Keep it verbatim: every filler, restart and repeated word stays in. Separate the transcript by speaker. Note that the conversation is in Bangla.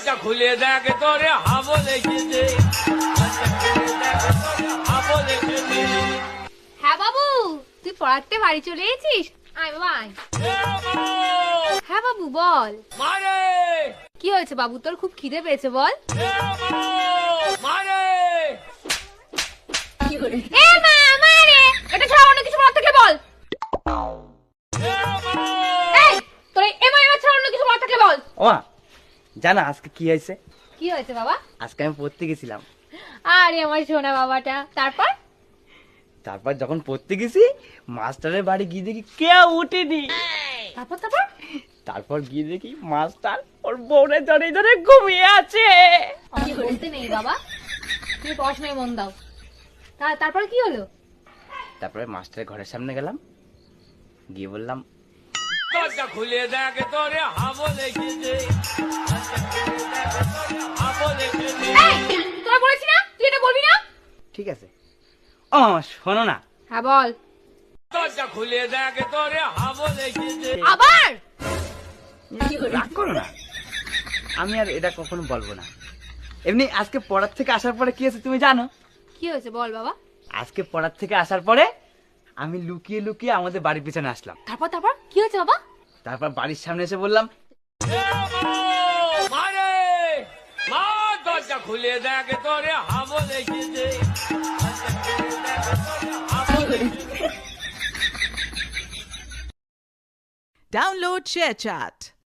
Speaker 1: দরজা খুলে দেখ তোরে হাবো লেগেছে হাবো লেগেছে।
Speaker 2: হ্যাঁ বাবু, তুই পড়াতে বাড়ি চলে এসেছিস? আয় বাবা আয়। হ্যাঁ বাবু বল,
Speaker 1: মারে
Speaker 2: কি হয়েছে বাবু, তোর খুব খিদে পেয়েছে বল।
Speaker 1: মারে
Speaker 2: এ মা মারে, এটা ছাড়া অন্য কিছু বলার থাকলে বল। এই তোর এ মা এবার ছাড়া অন্য কিছু বলার থাকলে বল।
Speaker 3: ও মা, জানো আজকে কি হয়েছে?
Speaker 2: কি হয়েছে বাবা?
Speaker 3: আজকে আমি পড়তে গেছিলাম।
Speaker 2: আরে আমার সোনা বাবাটা, তারপর?
Speaker 3: তারপর যখন পড়তে গেছি, মাস্টারের বাড়ি গিয়ে দেখি কেউ উঠেনি।
Speaker 2: তারপর তারপর
Speaker 3: তারপর গিয়ে দেখি মাস্টার ওর বউরে ধরে ধরে ঘুমিয়ে আছে।
Speaker 2: আমি বলতে নেই বাবা, তুমি পড়াশোনায় মন দাও। তা- তারপর কি হলো?
Speaker 3: তারপরে মাস্টারের ঘরের সামনে গেলাম, গিয়ে বললাম,
Speaker 1: দরজা খুলে দেখ তোরে হাবো লেগেছে হাবো লেগেছে।
Speaker 2: এই তোরা বলেছি না তুই এটা বলবি না।
Speaker 3: ঠিক আছে। ও মামা শোনো না।
Speaker 2: হ্যাঁ বল।
Speaker 1: দরজা খুলে দেখ তোরে হাবো লেগেছে।
Speaker 2: আবার
Speaker 3: রাগ করো না, আমি আর এটা কখনো বলবো না। এমনি আজকে পড়ার থেকে আসার পরে কি হয়েছে তুমি জানো?
Speaker 2: কি হয়েছে বল বাবা।
Speaker 3: আজকে পড়ার থেকে আসার পরে আমি লুকিয়ে লুকিয়ে আমাদের বাড়ির পিছনে আসলাম।
Speaker 2: তারপর তারপর কি হয়েছে বাবা?
Speaker 3: তারপর বাড়ির সামনে এসে বললাম,
Speaker 1: মারে মা দরজা খুলে দেখ তোরে হাবো লেগেছে হাবো লেগেছে।
Speaker 4: Download ShareChat.